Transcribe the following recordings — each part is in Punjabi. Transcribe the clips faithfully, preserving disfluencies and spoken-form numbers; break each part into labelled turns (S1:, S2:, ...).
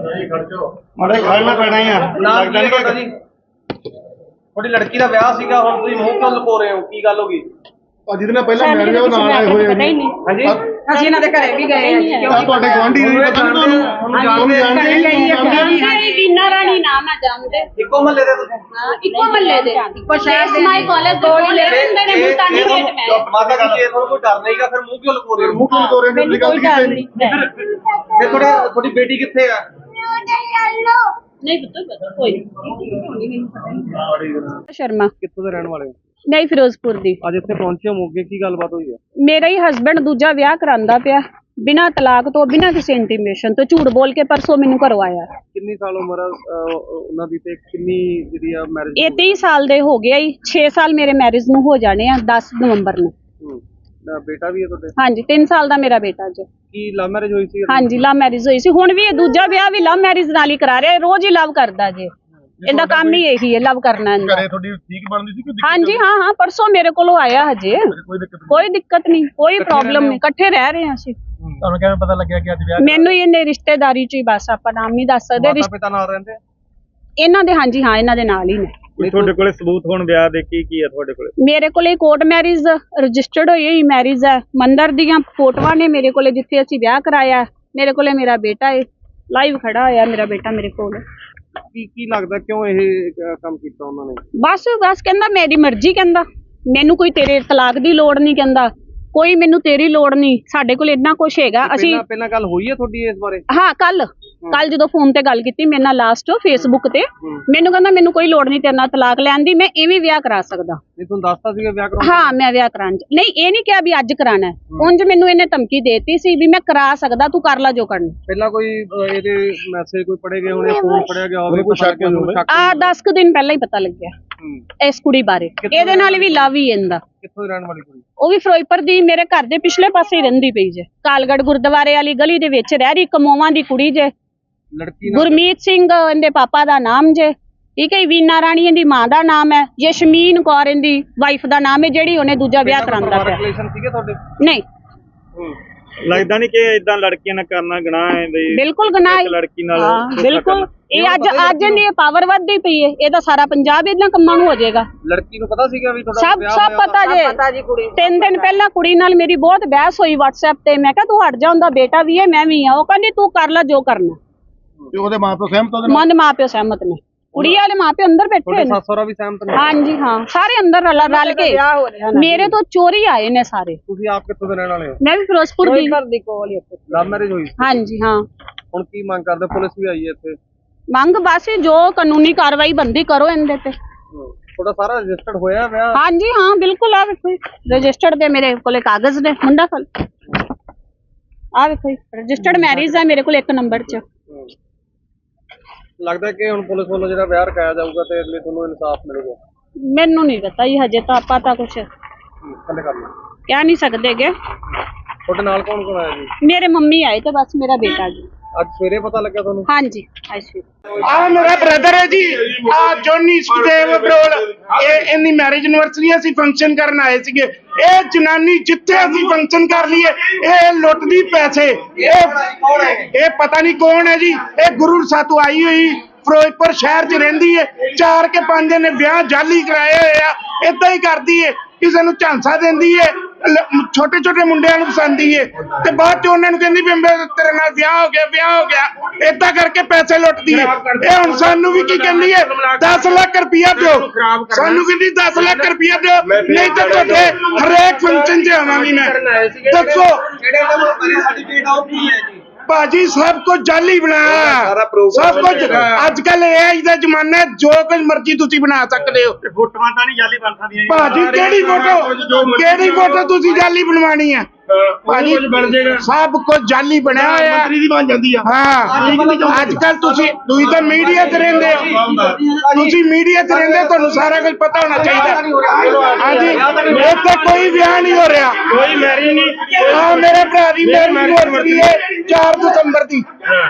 S1: ਮਾੜੇ ਖੜਨਾ ਪੈਣਾ ਹੀ ਆ।
S2: ਲੱਗਦਾ ਨਹੀਂ ਤੁਹਾਡਾ ਜੀ ਤੁਹਾਡੀ ਲੜਕੀ ਦਾ ਵਿਆਹ ਸੀਗਾ, ਹੁਣ ਤੁਸੀਂ ਮੂੰਹ ਕਿਉਂ ਲੁਕੋ ਰਹੇ ਹੋ? ਕੀ ਗੱਲ ਹੋ ਗਈ?
S1: ਜਿਹਦੇ ਨਾਲ ਪਹਿਲਾਂ ਮੈਰਿਜ ਉਹ ਨਾਲ ਆਏ ਹੋਏ ਨੇ।
S2: ਹਾਂਜੀ
S3: ਅਸੀਂ ਇਹਨਾਂ ਦੇ ਘਰੇ ਵੀ ਗਏ ਆ।
S1: ਤੁਹਾਡੇ ਗੁਆਂਢੀ ਨਹੀਂ ਪਤਾ ਤੁਹਾਨੂੰ ਤੁਹਾਨੂੰ ਜਾਣਦੇ
S4: ਜੀ ਵੀਨਾ ਰਾਣੀ ਨਾਮ ਹੈ, ਜਾਣਦੇ
S2: ਇੱਕੋ ਮਹੱਲੇ ਦੇ ਤੁਸੀਂ?
S4: ਹਾਂ, ਇੱਕੋ ਮਹੱਲੇ ਦੇ, ਇੱਕੋ ਸ਼ਹਿਰ ਦੇ। ਮਾਈ ਕਾਲਜ ਦੇ ਕੋਲ ਰਹਿੰਦੇ ਨੇ ਮੁਲਤਾਨੀ ਗੇਟ ਮੈਂ।
S2: ਮਾਤਾ ਜੀ ਜੇ ਤੁਹਾਨੂੰ ਕੋਈ ਡਰ ਨਹੀਂਗਾ ਫਿਰ ਮੂੰਹ ਕਿਉਂ ਲੁਕੋ ਰਹੇ ਹੋ?
S1: ਮੂੰਹ ਕਿਉਂ ਲੁਕੋ ਰਹੇ ਨੇ?
S4: ਮੈਨੂੰ ਕੋਈ ਡਰ ਨਹੀਂ।
S2: ਫਿਰ ਤੁਹਾਡਾ ਤੁਹਾਡੀ ਬੇਟੀ ਕਿੱਥੇ ਆ?
S4: ਨਹੀਂ ਪੁੱਤ ਪਤਾ ਕੋਈ ਨਹੀਂ। ਸ਼ਰਮਾ
S2: ਕਿੱਥੋਂ ਦੇ ਰਹਿਣ ਵਾਲੇ ਹੋ?
S4: ਨਹੀਂ ਫਿਰੋਜ਼ਪੁਰ ਦੀ।
S2: ਅੱਜ ਇੱਥੇ ਪਹੁੰਚੇ ਹੋ ਮੋਗੇ, ਕੀ ਗੱਲਬਾਤ ਹੋਈ ਹੈ?
S4: ਮੇਰਾ ਹੀ ਹਸਬੈਂਡ ਦੂਜਾ ਵਿਆਹ ਕਰਾਂਦਾ ਪਿਆ ਬਿਨਾਂ ਤਲਾਕ ਤੋਂ, ਬਿਨਾਂ ਕਿਸੇ ਇੰਟੀਮੇਸ਼ਨ ਤੋਂ, ਝੂਠ ਬੋਲ ਕੇ ਪਰਸੋਂ ਮੈਨੂੰ ਕਰਵਾਇਆ।
S2: ਕਿੰਨੀ ਸਾਲ ਉਮਰ ਆ ਉਹਨਾਂ ਦੀ ਤੇ ਕਿੰਨੀ ਜਿਹੜੀ ਆ ਮੈਰਿਜ?
S4: ਇਹ ਤੀਹ ਸਾਲ ਦੇ ਹੋ ਗਏ, ਛੇ ਸਾਲ ਮੇਰੇ ਮੈਰਿਜ ਨੂੰ ਹੋ ਜਾਣੇ ਆ ਦਸ ਨਵੰਬਰ ਨੂੰ।
S2: ਬੇਟਾ ਵੀ ਹੈ ਤੁਹਾਡੇ?
S4: ਹਾਂਜੀ ਤਿੰਨ ਸਾਲ ਦਾ ਮੇਰਾ ਬੇਟਾ ਜੀ।
S2: ਕੀ ਲਵ ਮੈਰਿਜ ਹੋਈ ਸੀ?
S4: ਹਾਂਜੀ ਲਵ ਮੈਰਿਜ ਹੋਈ ਸੀ। ਹੁਣ ਵੀ ਇਹ ਦੂਜਾ ਵਿਆਹ ਵੀ ਲਵ ਮੈਰਿਜ ਨਾਲ ਹੀ ਕਰਾ ਰਿਹਾ, ਰੋਜ਼ ਹੀ ਲਵ ਕਰਦਾ ਜੀ। ਇਹਦਾ ਕੰਮ ਹੀ ਇਹੀ ਹੈ, ਲਵ ਕਰਨਾ ਇਹਦਾ।
S1: ਘਰੇ ਤੁਹਾਡੀ ਠੀਕ ਬਣਦੀ ਸੀ ਕਿ?
S4: ਹਾਂਜੀ ਹਾਂ ਹਾਂ ਪਰਸੋਂ ਮੇਰੇ ਕੋਲੋਂ ਆਇਆ ਹਜੇ। ਕੋਈ ਦਿੱਕਤ ਨਹੀਂ, ਕੋਈ ਪ੍ਰੋਬਲਮ ਨਹੀਂ, ਇਕੱਠੇ ਰਹਿ ਰਹੇ ਹਾਂ ਅਸੀਂ।
S1: ਤੁਹਾਨੂੰ ਕਿਵੇਂ ਪਤਾ ਲੱਗਿਆ ਕਿ ਅੱਜ ਵਿਆਹ?
S4: ਮੈਨੂੰ ਇਹਨੇ ਰਿਸ਼ਤੇਦਾਰੀ ਚ ਹੀ, ਬਸ ਆਪਾਂ ਨਾਮ ਨਹੀਂ ਦੱਸ ਸਕਦੇ।
S2: ਮਾਤਾ ਪਿਤਾ ਨਾਲ ਰਹਿੰਦੇ
S4: ਇਹਨਾਂ ਦੇ? ਹਾਂਜੀ ਹਾਂ ਇਹਨਾਂ ਦੇ ਨਾਲ ਹੀ ਨੇ।
S2: ਤੁਹਾਡੇ ਕੋਲੇ ਸਬੂਤ ਹੁਣ ਵਿਆਹ ਦੇ ਕੀ ਕੀ ਹੈ ਤੁਹਾਡੇ ਕੋਲੇ?
S4: ਮੇਰੇ ਕੋਲੇ ਕੋਰਟ ਮੈਰਿਜ ਰਜਿਸਟਰਡ ਹੋਈ ਹੋਈ ਮੈਰਿਜ ਹੈ, ਮੰਦਰ ਦੀਆਂ ਫੋਟੋਆਂ ਨੇ ਮੇਰੇ ਕੋਲੇ ਜਿੱਥੇ ਅਸੀਂ ਵਿਆਹ ਕਰਾਇਆ। ਮੇਰੇ ਕੋਲੇ ਮੇਰਾ ਬੇਟਾ ਹੈ, ਲਾਈਵ ਖੜਾ ਹੋਇਆ ਮੇਰਾ ਬੇਟਾ ਮੇਰੇ ਕੋਲ।
S2: ਕੀ ਕੀ ਲੱਗਦਾ ਕਿਉਂ ਇਹ ਕੰਮ ਕੀਤਾ ਉਹਨਾਂ ਨੇ?
S4: ਬਸ ਬਸ ਕਹਿੰਦਾ ਮੇਰੀ ਮਰਜ਼ੀ, ਕਹਿੰਦਾ ਮੈਨੂੰ ਕੋਈ ਤੇਰੇ ਤਲਾਕ ਦੀ ਲੋੜ ਨਹੀਂ, ਕਹਿੰਦਾ ਕੋਈ ਮੈਨੂੰ ਤੇਰੀ ਲੋੜ ਨਹੀਂ, ਸਾਡੇ ਕੋਲ ਇੰਨਾ ਕੁਝ ਹੈਗਾ। ਅਸੀਂ
S2: ਪਹਿਲਾਂ ਗੱਲ ਹੋਈ ਹੈ ਤੁਹਾਡੀ ਇਸ ਬਾਰੇ?
S4: ਹਾਂ ਕੱਲ ਕੱਲ ਜਦੋਂ ਫੋਨ ਤੇ ਗੱਲ ਕੀਤੀ ਮੇਰੇ ਨਾਲ ਲਾਸਟ ਫੇਸਬੁੱਕ ਤੇ, ਮੈਨੂੰ ਕਹਿੰਦਾ ਮੈਨੂੰ ਕੋਈ ਲੋੜ ਨਹੀਂ ਤੇਰੇ ਨਾਲ ਤਲਾਕ ਲੈਣ ਦੀ, ਮੈਂ ਇਵੇਂ ਵਿਆਹ ਕਰਾ ਸਕਦਾ।
S2: ਨਹੀਂ ਤੁਹਾਨੂੰ ਦੱਸਤਾ ਸੀਗਾ ਵਿਆਹ ਕਰਾਉਣਾ?
S4: ਹਾਂ ਮੈਂ ਵਿਆਹ ਕਰਾਉਣ ਨਹੀਂ, ਇਹ ਨਹੀਂ ਕਿਹਾ ਵੀ ਅੱਜ ਕਰਾਣਾ ਹੈ। ਉਂਝ ਮੈਨੂੰ ਇਹਨੇ ਧਮਕੀ ਦੇਤੀ ਸੀ ਵੀ ਮੈਂ ਕਰਾ ਸਕਦਾ, ਤੂੰ ਕਰ ਲੈ ਜੋ ਕਰਨਾ।
S2: ਪਹਿਲਾਂ ਕੋਈ ਇਹਦੇ ਮੈਸੇਜ ਕੋਈ ਪੜੇ ਗਏ ਹੋਣੇ, ਫੋਨ ਪੜਿਆ ਗਿਆ ਹੋਵੇ,
S1: ਕੋਈ ਸ਼ੱਕ ਹੋਵੇ?
S4: ਆ ਦਸ ਕੁ ਦਿਨ ਪਹਿਲਾਂ ਹੀ ਪਤਾ ਲੱਗਿਆ ਇਸ ਕੁੜੀ ਬਾਰੇ। ਇਹਦੇ ਨਾਲ ਵੀ ਲਵ ਹੀ ਇਹਦਾ।
S2: ਕਿੱਥੋਂ ਰਹਿਣ ਵਾਲੀ ਕੁੜੀ?
S4: ਉਹ ਵੀ ਫਿਰੋਜ਼ਪੁਰ ਦੀ, ਮੇਰੇ ਘਰ ਦੇ ਪਿਛਲੇ ਪਾਸੇ ਹੀ ਰਹਿੰਦੀ ਪਈ ਜੇ, ਕਾਲਗੜ੍ਹ ਗੁਰਦੁਆਰੇ ਵਾਲੀ ਗਲੀ ਦੇ ਵਿੱਚ ਰਹਿ ਰਹੀ, ਕਮੋਵਾਂ ਦੀ ਕੁੜੀ ਜੇ।
S2: ਲੜਕੀ
S4: ਗੁਰਮੀਤ ਸਿੰਘ ਇਹਦੇ ਪਾਪਾ ਦਾ ਨਾਮ ਜੇ, ਠੀਕ ਹੈ। ਵੀਨਾ ਰਾਣੀ ਇਹਦੀ ਮਾਂ ਦਾ ਨਾਮ ਹੈ, ਯਸ਼ਮੀਨ ਕੌਰ ਇਹਦੀ ਵਾਈਫ ਦਾ ਨਾਮ ਹੈ, ਜਿਹੜੀ ਉਹਨੇ ਦੂਜਾ ਵਿਆਹ ਕਰਾਂਦਾ ਪਿਆ।
S2: ਰਿਲੇਸ਼ਨ ਸੀਗੇ ਤੁਹਾਡੇ?
S4: ਨਹੀਂ
S2: ਲੱਗਦਾ ਨਹੀਂ ਕਿ ਇਦਾਂ ਲੜਕੀਆਂ ਨਾਲ ਕਰਨਾ ਗੁਨਾਹ ਹੈ ਬਈ? ਬਿਲਕੁਲ
S4: ਗੁਨਾਹ ਹੈ
S2: ਲੜਕੀ ਨਾਲ।
S4: ਹਾਂ ਬਿਲਕੁਲ। ਇਹ ਅੱਜ ਅੱਜ ਇਹਦੀ ਪਾਵਰ ਵੱਧਦੀ ਪਈ ਹੈ, ਇਹਦਾ ਸਾਰਾ ਪੰਜਾਬ ਇਹਨਾਂ ਕੰਮਾਂ ਨੂੰ ਹੋ ਜਾਏਗਾ।
S2: ਲੜਕੀ ਨੂੰ ਪਤਾ ਸੀਗਾ ਵੀ ਤੁਹਾਡਾ
S4: ਸਭ
S2: ਵਿਆਹ
S4: ਸਭ ਪਤਾ ਜੇ। ਤਿੰਨ ਦਿਨ ਪਹਿਲਾਂ ਕੁੜੀ ਨਾਲ ਮੇਰੀ ਬਹੁਤ ਬਹਿਸ ਹੋਈ WhatsApp ਤੇ। ਮੈਂ ਕਿਹਾ ਤੂੰ ਹਟ ਜਾ, ਉਹਦਾ ਬੇਟਾ ਵੀ ਹੈ ਮੈਂ ਵੀ ਆ। ਉਹ ਕਹਿੰਦੀ ਤੂੰ ਕਰ ਲੈ ਜੋ ਕਰਨਾ।
S1: ਤੇ ਉਹਦੇ ਮਾਪੇ ਸਹਿਮਤ ਉਹਦੇ ਨਾਲ?
S4: ਮਨ ਮਾਪਿਓ ਸਹਿਮਤ ਨੇ, ਕੁੜੀ ਵਾਲੇ ਮਾਪੇ ਅੰਦਰ ਬੈਠੇ ਨੇ।
S2: ਸੱਸ ਸਹੁਰਾ ਵੀ ਸਹਿਮਤ ਨੇ?
S4: ਹਾਂਜੀ ਹਾਂ ਸਾਰੇ ਅੰਦਰ ਰਲ ਰਲ ਕੇ। ਮੇਰੇ ਤੋਂ ਚੋਰੀ ਆਏ ਨੇ ਸਾਰੇ।
S2: ਤੁਸੀਂ ਆਪ ਕਿੱਥੋਂ ਦੇ ਰਹਿਣ ਵਾਲੇ ਹੋ?
S4: ਮੈਂ ਵੀ ਫਿਰੋਜ਼ਪੁਰ ਦੀ।
S2: ਲਵ ਮੈਰਿਜ ਹੋਈ?
S4: ਹਾਂਜੀ ਹਾਂ।
S2: ਹੁਣ ਕੀ ਮੰਗ ਕਰਦੇ? ਪੁਲਿਸ ਵੀ ਆਈ ਹੈ ਇੱਥੇ?
S4: ਮੰਗ ਬਸ ਜੋ ਕਾਨੂੰਨੀ ਕਾਰਵਾਈ ਬੰਦੀ ਕਰੋ ਇਹਦੇ ਤੇ।
S2: ਤੁਹਾਡਾ ਸਾਰਾ ਰਜਿਸਟਰਡ ਹੋਇਆ ਵਿਆਹ?
S4: ਹਾਂਜੀ ਹਾਂ ਬਿਲਕੁਲ। ਆ ਵੇਖੋ ਰਜਿਸਟਰਡ ਦੇ ਮੇਰੇ ਕੋਲੇ ਕਾਗਜ਼ ਨੇ, ਮੁੰਡਾ ਫਲ ਆ ਵੇਖੋ ਰਜਿਸਟਰਡ ਮੈਰਿਜ ਹੈ ਮੇਰੇ ਕੋਲ ਇੱਕ ਨੰਬਰ 'ਚ।
S2: ਲੱਗਦਾ ਕਿ ਹੁਣ ਪੁਲਿਸ ਵੱਲੋਂ ਜਿਹੜਾ ਵਿਆਹ ਰਖਾਇਆ ਜਾਊਗਾ ਤੇ ਅਗਲੇ ਤੁਹਾਨੂੰ ਇਨਸਾਫ ਮਿਲੇਗਾ?
S4: ਮੈਨੂੰ ਨਹੀਂ ਪਤਾ ਜੀ, ਹਜੇ ਤਾਂ ਆਪਾਂ ਤਾਂ ਕੁਛ
S2: ਥੱਲੇ ਕਰ ਲਓ।
S4: ਕਹਿ ਨਹੀਂ ਸਕਦੇਗੇ।
S2: ਤੁਹਾਡੇ ਨਾਲ ਕੌਣ ਕੌਣ ਆਇਆ ਜੀ?
S4: ਮੇਰੇ ਮੰਮੀ ਆਏ ਤੇ ਬਸ ਮੇਰਾ ਬੇਟਾ ਜੀ।
S2: ਅੱਜ ਸਵੇਰੇ ਪਤਾ ਲੱਗਾ ਤੁਹਾਨੂੰ?
S4: ਹਾਂਜੀ ਅੱਛਾ।
S5: ਆ ਮੇਰਾ ਬ੍ਰਦਰ ਹੈ ਜੀ, ਆ ਜੋਨੀ ਸੁਖਦੇਵ ਬਰੋਲ। ਇਹ ਇੰਨੀ ਮੈਰਿਜ ਐਨਵਰਸਰੀ ਅਸੀਂ ਫੰਕਸ਼ਨ ਕਰਨ ਆਏ ਸੀਗੇ। ਇਹ ਜਨਾਨੀ ਜਿੱਥੇ ਅਸੀਂ ਫੰਕਸ਼ਨ ਕਰ ਲਈਏ ਇਹ ਲੁੱਟਦੀ ਪੈਸੇ। ਇਹ ਇਹ ਪਤਾ ਨਹੀਂ ਕੌਣ ਹੈ ਜੀ। ਇਹ ਗੁਰੂ ਸਾਤੋਂ ਆਈ ਹੋਈ ਫਿਰੋਜ਼ਪੁਰ ਸ਼ਹਿਰ 'ਚ ਰਹਿੰਦੀ ਹੈ। ਚਾਰ ਕੇ ਪੰਜ ਨੇ ਵਿਆਹ ਜਾਲੀ ਕਰਾਏ ਹੋਏ ਆ। ਏਦਾਂ ਹੀ ਕਰਦੀ ਹੈ, ਕਿਸੇ ਨੂੰ ਝਾਂਸਾ ਦਿੰਦੀ ਹੈ, ਛੋਟੇ ਛੋਟੇ ਮੁੰਡਿਆਂ ਨੂੰ ਪਸੰਦੀ ਹੈ ਤੇ ਬਾਅਦ ਚ ਉਹਨਾਂ ਨੂੰ ਕਹਿੰਦੀ ਵੀ ਤੇਰੇ ਨਾਲ ਵਿਆਹ ਹੋ ਗਿਆ ਵਿਆਹ ਹੋ ਗਿਆ। ਏਦਾਂ ਕਰਕੇ ਪੈਸੇ ਲੁੱਟਦੀ ਹੈ। ਇਹ ਹੁਣ ਸਾਨੂੰ ਵੀ ਕੀ ਕਹਿੰਦੀ ਹੈ, ਦਸ ਲੱਖ ਰੁਪਇਆ ਦਿਓ। ਸਾਨੂੰ ਕਹਿੰਦੀ ਦਸ ਲੱਖ ਰੁਪਇਆ ਦਿਓ, ਨਹੀਂ ਤਾਂ ਤੁਹਾਡੇ ਹਰੇਕ ਫੰਕਸ਼ਨ 'ਚ ਆਵਾਂਗੀ ਮੈਂ। ਦੱਸੋ ਭਾਜੀ ਸਭ ਕੁਝ ਜਾਲੀ ਬਣਾਇਆ, ਸਭ ਕੁਝ। ਅੱਜ ਕੱਲ ਏ ਆਈ ਦਾ ਜ਼ਮਾਨਾ ਹੈ, ਜੋ ਕੁਝ ਮਰਜ਼ੀ ਤੁਸੀਂ ਬਣਾ ਸਕਦੇ ਹੋ।
S1: ਫੋਟੋਆਂ ਤਾਂ ਨਹੀਂ ਜਾਲੀ ਬਣ ਸਕਦੀਆਂ
S5: ਭਾਜੀ ਕਿਹੜੀ ਫੋਟੋ ਕਿਹੜੀ ਫੋਟੋ ਤੁਸੀਂ ਜਾਲੀ ਬਣਵਾਣੀ ਹੈ? ਭਾਜੀ ਸਭ ਕੁਝ ਜਾਲੀ ਬਣਿਆ ਹੋਇਆ
S1: ਮੰਤਰੀ ਦੀ ਬਣ ਜਾਂਦੀ ਆ।
S5: ਹਾਂ ਅੱਜ ਕੱਲ ਤੁਸੀਂ ਤੁਸੀਂ ਤਾਂ ਮੀਡੀਆ ਤੇ ਰਹਿੰਦੇ ਹੋ, ਤੁਸੀਂ ਮੀਡੀਆ ਤੇ ਰਹਿੰਦੇ, ਤੁਹਾਨੂੰ ਸਾਰਾ ਕੁਝ ਪਤਾ ਹੋਣਾ ਚਾਹੀਦਾ। ਹਾਂਜੀ ਇੱਥੇ ਕੋਈ ਵਿਆਹ ਨਹੀਂ ਹੋ ਰਿਹਾ,
S1: ਕੋਈ ਮੈਰਿਜ ਨਹੀਂ।
S5: ਹਾਂ ਮੇਰੇ ਭਰਾ ਦੀ ਮੈਰਿਜ ਹੋ ਰਹੀ ਹੈ ਚਾਰ ਦਸੰਬਰ ਦੀ।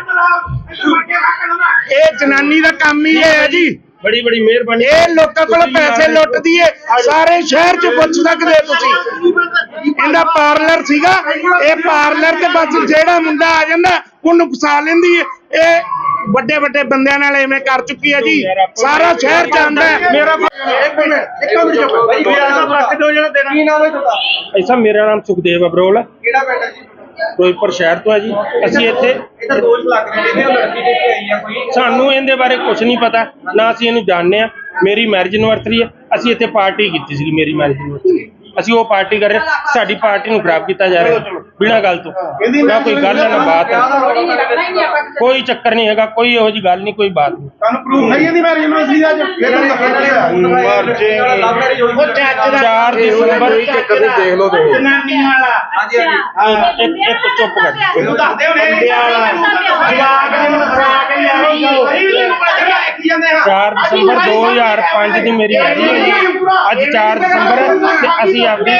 S5: ਇਹ ਜਨਾਨੀ ਦਾ ਕੰਮ ਹੀ ਹੈ ਜੀ।
S1: ਬੜੀ ਬੜੀ ਮਿਹਰਬਾਨੀ।
S5: ਇਹ ਲੋਕਾਂ ਕੋਲ ਪੈਸੇ ਲੁੱਟਦੀ ਏ, ਸਾਰੇ ਸ਼ਹਿਰ 'ਚ ਪੁੱਛ ਸਕਦੇ ਤੁਸੀਂ। ਇਹਦਾ ਪਾਰਲਰ ਸੀਗਾ, ਇਹ ਪਾਰਲਰ ਤੇ ਬਸ ਜਿਹੜਾ ਮੁੰਡਾ ਆ ਜਾਂਦਾ ਉਹਨੂੰ ਫਸਾ ਲੈਂਦੀ ਏ। ਇਹ ਵੱਡੇ ਵੱਡੇ ਬੰਦਿਆਂ ਨਾਲ ਐਵੇਂ ਕਰ ਚੁੱਕੀ ਹੈ ਜੀ। ਸਾਰਾ ਸ਼ਹਿਰ ਜਾਣਦਾ ਹੈ। ਮੇਰਾ
S2: ਇੱਕ ਮਿੰਟ ਇੱਕ ਮਿੰਟ ਚੁੱਪ ਭਾਈ ਮੇਰਾ ਨਾਮ ਰੱਖ ਦਿਓ ਜਿਹੜਾ ਦੇਣਾ। ਕੀ ਨਾਮ ਹੈ ਤੁਹਾਡਾ?
S6: ਐਸਾ ਮੇਰਾ ਨਾਮ ਸੁਖਦੇਵ ਅਬਰੋਲ ਹੈ,
S2: ਕਿਹੜਾ ਪਿੰਡ ਹੈ ਜੀ?
S6: ਫਿਰੋਜ਼ਪੁਰ ਸ਼ਹਿਰ ਤੋਂ ਹੈ ਜੀ। ਅਸੀਂ ਇੱਥੇ
S2: ਇਹ ਤਾਂ ਦੋਸ਼ ਲੱਗ ਰਹੇ ਨੇ ਉਹ ਲੜਕੀ ਦੇ ਕੇ ਆਈ ਆ ਕੋਈ।
S6: ਸਾਨੂੰ ਇਹਦੇ ਬਾਰੇ ਕੁਝ ਨਹੀਂ ਪਤਾ, ਨਾ ਅਸੀਂ ਇਹਨੂੰ ਜਾਣਦੇ ਆ। ਮੇਰੀ ਮੈਰਿਜ ਐਨਵਰਸਰੀ ਹੈ, ਅਸੀਂ ਇੱਥੇ ਪਾਰਟੀ ਕੀਤੀ ਸੀ ਮੇਰੀ ਮੈਰਿਜ ਐਨਵਰਸਰੀ। ਅਸੀਂ ਉਹ ਪਾਰਟੀ ਕਰ ਰਹੇ, ਸਾਡੀ ਪਾਰਟੀ ਨੂੰ ਖਰਾਬ ਕੀਤਾ ਜਾ ਰਿਹਾ ਬਿਨਾਂ ਗੱਲ ਤੋਂ। ਨਾ ਕੋਈ ਗੱਲ ਹੈ ਨਾ ਬਾਤ ਹੈ, ਕੋਈ ਚੱਕਰ ਨਹੀਂ ਹੈਗਾ, ਕੋਈ ਇਹੋ ਜਿਹੀ ਗੱਲ ਨਹੀਂ, ਕੋਈ ਬਾਤ ਨਹੀਂ।
S1: ਤੁਹਾਨੂੰ ਪ੍ਰੂਫ ਹੈ ਇਹਦੀ ਮੈਰਿਜ ਯੂਨੀਵਰਸਿਟੀ ਦਾ ਅੱਜ ਫਿਰ
S6: ਚਾਰ ਦਸੰਬਰ
S5: ਦੇਖ ਲਓ ਤੇ ਜਨਾਨੀਆਂ ਵਾਲਾ
S2: ਹਾਂਜੀ ਹਾਂਜੀ
S6: ਇੱਕ ਇੱਕ ਚੁੱਪ ਕਰ
S1: ਤੂੰ ਦੱਸਦੇ ਹੋ ਨੇ ਜਵਾਬ ਨੂੰ ਫਰਾ ਕੇ ਲਿਆਓ ਕੀ ਜਾਂਦੇ ਹਾਂ
S6: ਚਾਰ ਦਸੰਬਰ ਦੋ ਹਜ਼ਾਰ ਪੰਜ ਦੀ ਮੇਰੀ ਮੈਰਿਜ ਹੋਈ ਹੈ। ਅੱਜ ਚਾਰ ਦਸੰਬਰ ਹੈ ਤੇ ਅਸੀਂ ਆਪਦੀ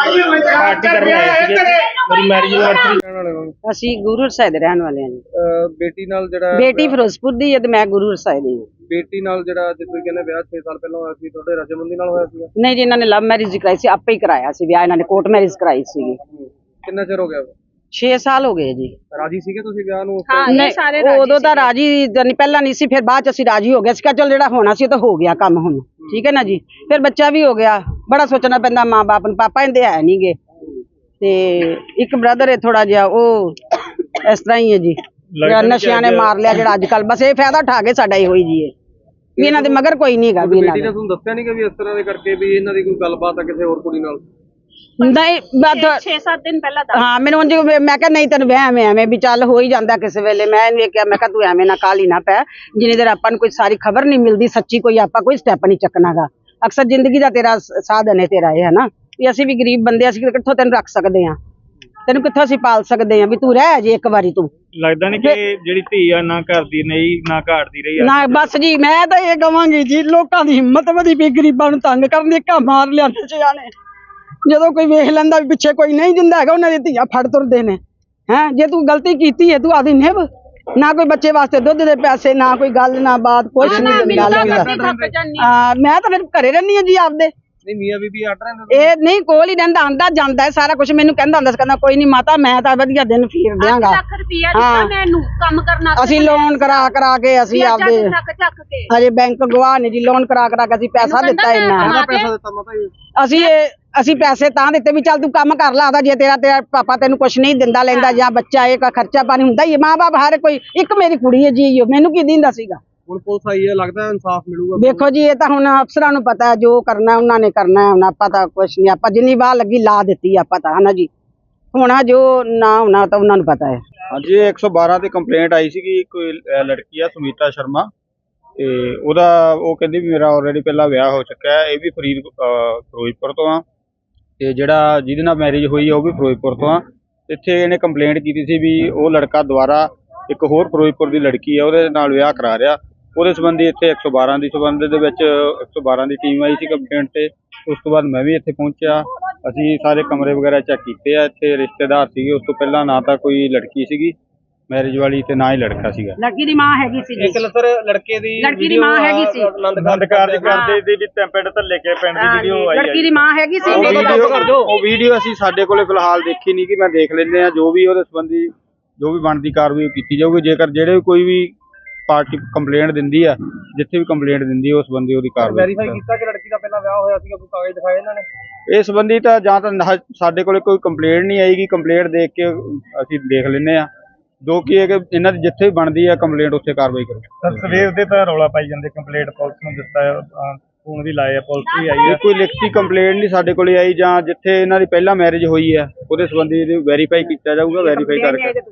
S6: ਪਾਰਟੀ ਕਰਨ ਆਏ ਸੀਗੇ ਮੇਰੀ ਮੈਰਿਜ ਐਨਵਰਸਰੀ।
S3: ਅਸੀਂ ਗੁਰੂ ਸਾਹਿਬ ਦੇ ਰਹਿਣ ਵਾਲੇ ਹਾਂ ਜੀ।
S2: ਬੇਟੀ ਨਾਲ ਜਿਹੜਾ
S3: ਬੇਟੀ ਫਿਰੋਜ਼ਪੁਰ ਦੀ ਹੈ ਤੇ ਮੈਂ ਗੁਰੂ ਸਾਹਿਬ ਦੀ ਹਾਂ।
S2: ਬੇਟੀ ਨਾਲ ਜਿਹੜਾ ਜਿਸ ਤੁਸੀਂ ਕਹਿੰਦੇ ਵਿਆਹ ਛੇ ਸਾਲ ਪਹਿਲਾਂ ਹੋਇਆ ਸੀ, ਤੁਹਾਡੇ ਰਜਮੰਦੀ ਨਾਲ ਹੋਇਆ ਸੀ?
S3: ਨਹੀਂ ਜੀ, ਇਹਨਾਂ ਨੇ ਲਵ ਮੈਰਿਜ ਕਰਾਈ ਸੀ, ਆਪੇ ਹੀ ਕਰਾਇਆ ਸੀ ਵਿਆਹ। ਇਹਨਾਂ ਨੇ ਕੋਰਟ ਮੈਰਿਜ ਕਰਾਈ ਸੀਗੀ।
S2: ਕਿੰਨਾ ਚਿਰ ਹੋ ਗਿਆ?
S3: ਛੇ ਸਾਲ ਹੋ ਗਏ ਜੀ।
S2: ਰਾਜੀ ਸੀਗੇ ਤੁਸੀਂ ਵਿਆਹ ਨੂੰ?
S3: ਨਹੀਂ,
S4: ਸਾਰੇ
S3: ਉਦੋਂ ਤਾਂ ਰਾਜੀ ਨਹੀਂ, ਪਹਿਲਾਂ ਨਹੀਂ ਸੀ, ਫਿਰ ਬਾਅਦ ਚ ਅਸੀਂ ਰਾਜੀ ਹੋ ਗਏ ਸੀ। ਚਲ ਜਿਹੜਾ ਹੋਣਾ ਸੀ ਉਹ ਤਾਂ ਹੋ ਗਿਆ ਕੰਮ ਹੁਣ, ਠੀਕ ਹੈ ਨਾ ਜੀ। ਫਿਰ ਬੱਚਾ ਵੀ ਹੋ ਗਿਆ। ਬੜਾ ਸੋਚਣਾ ਪੈਂਦਾ ਮਾਂ ਬਾਪ ਨੂੰ, ਪਾਪਾ ਇਹਦੇ ਹੈ ਨੀ ਗੇ ਤੇ ਇੱਕ ਬ੍ਰਦਰ ਹੈ ਥੋੜਾ ਜਿਹਾ, ਉਹ ਇਸ ਤਰ੍ਹਾਂ ਹੀ ਹੈ ਜੀ, ਜਿਹੜਾ ਨਸ਼ਿਆਂ ਨੇ ਮਾਰ ਲਿਆ ਜਿਹੜਾ ਅੱਜ ਕੱਲ। ਬਸ ਇਹ ਫਾਇਦਾ ਉਠਾ ਕੇ ਸਾਡਾ ਇਹੋ ਹੀ ਜੀ ਹੈ ਵੀ ਇਹਨਾਂ ਦੇ ਮਗਰ ਕੋਈ ਨਹੀਂ ਹੈਗਾ ਵੀ ਇਹਨਾਂ
S2: ਬੇਟੀ ਨੇ
S3: ਦਾ।
S2: ਤੁਹਾਨੂੰ ਦੱਸਿਆ ਨਹੀਂ ਕਿ ਵੀ ਇਸ ਤਰ੍ਹਾਂ ਦੇ ਕਰਕੇ ਵੀ ਇਹਨਾਂ ਦੀ ਕੋਈ ਗੱਲਬਾਤ ਆ ਕਿਸੇ ਹੋਰ ਕੁੜੀ ਨਾਲ?
S3: ਨਹੀਂ ਬਸ
S4: ਛੇ ਸੱਤ ਦਿਨ ਪਹਿਲਾਂ
S3: ਹਾਂ, ਮੈਨੂੰ ਉਂਝ ਮੈਂ ਕਿਹਾ ਨਹੀਂ ਤੈਨੂੰ ਵਹਿਮ ਐ ਐਵੇਂ ਵੀ ਚੱਲ ਹੋ ਹੀ ਜਾਂਦਾ ਕਿਸੇ ਵੇਲੇ। ਮੈਂ ਇਹਨੂੰ ਇਹ ਕਿਹਾ, ਮੈਂ ਕਿਹਾ ਤੂੰ ਐਵੇਂ ਨਾ ਕਾਹਲੀ ਨਾ ਪੈ, ਜਿੰਨੀ ਦੇਰ ਆਪਾਂ ਨੂੰ ਕੋਈ ਸਾਰੀ ਖਬਰ ਨਹੀਂ ਮਿਲਦੀ ਸੱਚੀ, ਕੋਈ ਆਪਾਂ ਕੋਈ ਸਟੈਪ ਨਹੀਂ ਚੱਕਣਾਗਾ। ਅਕਸਰ ਜ਼ਿੰਦਗੀ ਦਾ ਤੇਰਾ ਸਾਧਨ ਹੈ ਤੇਰਾ ਇਹ, ਹੈ ਨਾ ਵੀ ਅਸੀਂ ਵੀ ਗਰੀਬ ਬੰਦੇ, ਅਸੀਂ ਕਿੱਥੋਂ ਤੈਨੂੰ ਰੱਖ ਸਕਦੇ ਹਾਂ, ਤੈਨੂੰ ਕਿੱਥੋਂ ਅਸੀਂ ਪਾਲ ਸਕਦੇ ਹਾਂ, ਵੀ ਤੂੰ ਰਹਿ ਜੇ ਇੱਕ ਵਾਰੀ ਤੂੰ।
S6: ਲੱਗਦਾ ਨਹੀਂ ਕਿ ਜਿਹੜੀ ਧੀ ਆ ਨਾ ਘਰ ਦੀ ਨਹੀਂ ਨਾ ਘਾਟ ਦੀ ਰਹੀ
S3: ਨਾ ਬਸ ਜੀ, ਮੈਂ ਤਾਂ ਇਹ ਕਵਾਂਗੀ ਜੀ, ਲੋਕਾਂ ਦੀ ਹਿੰਮਤ ਵਧੀ ਪਈ ਗਰੀਬਾਂ ਨੂੰ ਤੰਗ ਕਰਨ ਦੀ। ਘਾ ਮਾਰ ਲਿਆਂਦੇ ਸਿਆਣੇ, ਜਦੋਂ ਕੋਈ ਵੇਖ ਲੈਂਦਾ ਵੀ ਪਿੱਛੇ ਕੋਈ ਨਹੀਂ ਦਿੰਦਾ ਹੈਗਾ, ਉਹਨਾਂ ਦੀ ਧੀਆਂ ਫੜ ਤੁਰਦੇ ਨੇ। ਹੈਂ, ਜੇ ਤੂੰ ਗਲਤੀ ਕੀਤੀ ਹੈ ਤੂੰ ਆਦੀ ਨਿਭ, ਨਾ ਕੋਈ ਬੱਚੇ ਵਾਸਤੇ ਦੁੱਧ ਦੇ ਪੈਸੇ, ਨਾ ਕੋਈ ਗੱਲ ਨਾ ਬਾਤ, ਕੁਛ ਨਹੀਂ ਦਿੰਦਾ ਲੈਂਦਾ। ਹਾਂ, ਮੈਂ ਤਾਂ ਫਿਰ ਘਰੇ ਰਹਿੰਦੀ ਹਾਂ ਜੀ ਆਪਦੇ।
S2: ਨਹੀਂ ਮੀਆਂ ਬੀਬੀ ਅੱਡ ਰਹਿੰਦੇ?
S3: ਇਹ ਨਹੀਂ, ਕੋਲ ਹੀ ਰਹਿੰਦਾ, ਆਂਦਾ ਜਾਂਦਾ ਹੈ ਸਾਰਾ ਕੁਝ। ਮੈਨੂੰ ਕਹਿੰਦਾ ਹੁੰਦਾ ਸੀ, ਕਹਿੰਦਾ ਕੋਈ ਨਹੀਂ ਮਾਤਾ, ਮੈਂ ਤਾਂ ਵਧੀਆ ਦਿਨ ਫੇਰ ਦਿਆਂਗਾ।
S4: ਲੱਖ ਰੁਪਇਆ ਦਿੱਤਾ ਮੈਨੂੰ ਕੰਮ ਕਰਨਾ।
S3: ਅਸੀਂ ਲੋਨ ਕਰਾ ਕਰਾ ਕੇ ਅਸੀਂ ਆਪਦੇ
S4: ਚੱਕ ਚੱਕ ਕੇ
S3: ਹਜੇ ਬੈਂਕ ਗਵਾਹ ਨੇ ਜੀ, ਲੋਨ ਕਰਾ ਕਰਾ ਕੇ ਅਸੀਂ ਪੈਸਾ ਦਿੱਤਾ ਇੰਨਾ।
S2: ਕਿੰਨਾ ਪੈਸਾ ਦਿੱਤਾ ਮਾਤਾ ਜੀ?
S3: ਅਸੀਂ ਇਹ ਅਸੀਂ ਪੈਸੇ ਤਾਂ ਦਿੱਤੇ ਵੀ ਚੱਲ ਤੂੰ ਕੰਮ ਕਰ ਲਾ ਆਦਾ, ਜੇ ਤੇਰਾ ਤੇਰਾ ਪਾਪਾ ਤੈਨੂੰ ਕੁਛ ਨਹੀਂ ਦਿੰਦਾ ਲੈਂਦਾ, ਜਾਂ ਬੱਚਾ ਇਹ ਖਰਚਾ ਪਾਣੀ ਹੁੰਦਾ ਹੀ ਹੈ। ਮਾਂ ਬਾਪ ਹਰ ਕੋਈ, ਇੱਕ ਮੇਰੀ ਕੁੜੀ ਹੈ ਜੀ, ਮੈਨੂੰ ਕੀ ਦਿੰਦਾ ਸੀਗਾ।
S2: ਹੁਣ ਪੁਲਿਸ ਆਈ ਹੈ, ਲੱਗਦਾ ਇਨਸਾਫ ਮਿਲੂਗਾ?
S3: ਦੇਖੋ ਜੀ, ਇਹ ਤਾਂ ਹੁਣ ਅਫਸਰਾਂ ਨੂੰ ਪਤਾ ਹੈ, ਜੋ ਕਰਨਾ ਉਹਨਾਂ ਨੇ ਕਰਨਾ ਹੈ। ਹੁਣ ਆਪਾਂ ਤਾਂ ਕੁਛ ਨਹੀਂ, ਆਪਾਂ ਜਿੰਨੀ ਵਾਹ ਲੱਗੀ ਲਾ ਦਿੱਤੀ ਆਪਾਂ ਤਾਂ, ਹਨਾ ਜੀ। ਹੋਣਾ ਜੋ ਨਾ ਹੋਣਾ ਤਾਂ ਉਹਨਾਂ ਨੂੰ ਪਤਾ ਹੈ।
S7: ਹਾਂਜੀ, ਇੱਕ ਸੌ ਬਾਰਾਂ ਤੇ ਕੰਪਲੇਂਟ ਆਈ ਸੀਗੀ, ਕੋਈ ਲੜਕੀ ਆ ਸੁਮੀਤਾ ਸ਼ਰਮਾ, ਤੇ ਉਹਦਾ ਉਹ ਕਹਿੰਦੀ ਵੀ ਮੇਰਾ ਆਲਰੇਡੀ ਪਹਿਲਾਂ ਵਿਆਹ ਹੋ ਚੁੱਕਾ ਹੈ। ਇਹ ਵੀ ਫਰੀਦ ਫਿਰੋਜ਼ਪੁਰ ਤੋਂ ਆ, ਤੇ ਜਿਹੜਾ ਜਿਹਦੇ ਨਾਲ ਮੈਰਿਜ ਹੋਈ ਆ ਉਹ ਵੀ ਫਿਰੋਜ਼ਪੁਰ ਤੋਂ ਆ। ਇੱਥੇ ਇਹਨੇ ਕੰਪਲੇਂਟ ਕੀਤੀ ਸੀ ਵੀ ਉਹ ਲੜਕਾ ਦੁਬਾਰਾ ਇੱਕ ਹੋਰ ਫਿਰੋਜ਼ਪੁਰ ਦੀ ਲੜਕੀ ਆ ਉਹਦੇ ਨਾਲ ਵਿਆਹ ਕਰਾ ਰਿਹਾ। ਉਹਦੇ ਸੰਬੰਧੀ ਇੱਥੇ ਇੱਕ ਸੌ ਬਾਰਾਂ ਦੀ ਸੰਬੰਧ ਦੇ ਵਿੱਚ ਇੱਕ ਸੌ ਬਾਰਾਂ ਦੀ ਟੀਮ ਆਈ ਸੀ ਕੰਪਲੇਂਟ ਤੇ। ਉਸ ਤੋਂ ਬਾਅਦ ਮੈਂ ਵੀ ਇੱਥੇ ਪਹੁੰਚਿਆ, ਅਸੀਂ ਸਾਰੇ ਕਮਰੇ ਵਗੈਰਾ ਚੈੱਕ ਕੀਤੇ ਆ। ਇੱਥੇ ਰਿਸ਼ਤੇਦਾਰ ਸੀਗੇ, ਉਸ ਤੋਂ ਪਹਿਲਾਂ ਨਾ ਤਾਂ ਕੋਈ ਲੜਕੀ ਸੀਗੀ ਮੈਰਿਜ ਵਾਲੀ ਤੇ ਨਾ ਹੀ ਲੜਕਾ ਸੀਗਾ।
S3: ਲੜਕੀ ਦੀ ਮਾਂ ਹੈਗੀ ਸੀ
S2: ਇੱਕ ਸਰ ਲੜਕੇ ਦੀ
S3: ਲੜਕੀ ਦੀ ਮਾਂ ਹੈਗੀ ਸੀ।
S2: ਆਨੰਦ ਕਾਰਜ ਕਰਦੇ ਦੀ ਵੀ ਪਿੰਡ ਧੱਲੇ ਕੇ ਪਿੰਡ ਦੀ ਵੀਡੀਓ ਆਈ ਹੈ।
S3: ਲੜਕੀ ਦੀ ਮਾਂ ਹੈਗੀ ਸੀ।
S7: ਉਹ ਵੀਡੀਓ ਉਹ ਵੀਡੀਓ ਅਸੀਂ ਸਾਡੇ ਕੋਲੇ ਫਿਲਹਾਲ ਦੇਖੀ ਨਹੀਂ, ਕਿ ਮੈਂ ਦੇਖ ਲੈਂਦੇ ਆ। ਜੋ ਵੀ ਉਹਦੇ ਸੰਬੰਧੀ ਜੋ ਵੀ ਬਣਦੀ ਕਾਰਵਾਈ ਕੀਤੀ ਜਾਊਗੀ। ਜੇਕਰ ਜਿਹੜੇ ਕੋਈ ਵੀ ਪਾਰਟੀ ਕੰਪਲੇਂਟ ਦਿੰਦੀ ਆ, ਜਿੱਥੇ ਵੀ ਕੰਪਲੇਂਟ ਦਿੰਦੀ ਉਸ ਸੰਬੰਧੀ ਉਹਦੀ ਕਾਰਵਾਈ।
S2: ਵੈਰੀਫਾਈ ਕੀਤਾ ਕਿ ਲੜਕੀ ਦਾ ਪਹਿਲਾਂ ਵਿਆਹ ਹੋਇਆ ਸੀਗਾ, ਕੋਈ ਕਾਗਜ਼ ਦਿਖਾਏ ਇਹਨਾਂ ਨੇ
S7: ਇਸ ਸੰਬੰਧੀ? ਤਾਂ ਜਾਂ ਤਾਂ ਨਾ- ਸਾਡੇ ਕੋਲੇ ਕੋਈ ਕੰਪਲੇਂਟ ਨਹੀਂ ਆਏਗੀ। ਕੰਪਲੇਂਟ ਦੇਖ ਕੇ ਅਸੀਂ ਦੇਖ ਲੈਂਦੇ ਆ, ਜੋ ਕਿ ਹੈ ਕਿ ਇਹਨਾਂ ਦੀ ਜਿੱਥੇ ਵੀ ਬਣਦੀ ਆ ਕੰਪਲੇਂਟ ਉੱਥੇ ਕਾਰਵਾਈ ਕਰੋ।
S6: ਸਵੇਰ ਦੇ ਤਾਂ ਰੌਲਾ ਪਾਈ ਜਾਂਦੇ, ਕੰਪਲੇਂਟ ਪੁਲਿਸ ਨੂੰ ਦਿੱਤਾ, ਫੋਨ ਵੀ ਲਾਇਆ, ਪੁਲਿਸ ਵੀ ਆਈ ਹੈ।
S7: ਕੋਈ ਲਿਖਤੀ ਕੰਪਲੇਂਟ ਨਹੀਂ ਸਾਡੇ ਕੋਲੇ ਆਈ। ਜਾਂ ਜਿੱਥੇ ਇਹਨਾਂ ਦੀ ਪਹਿਲਾਂ ਮੈਰਿਜ ਹੋਈ ਹੈ ਉਹਦੇ ਸੰਬੰਧੀ ਵੈਰੀਫਾਈ ਕੀਤਾ ਜਾਊਗਾ, ਵੈਰੀਫਾਈ ਕਰਕੇ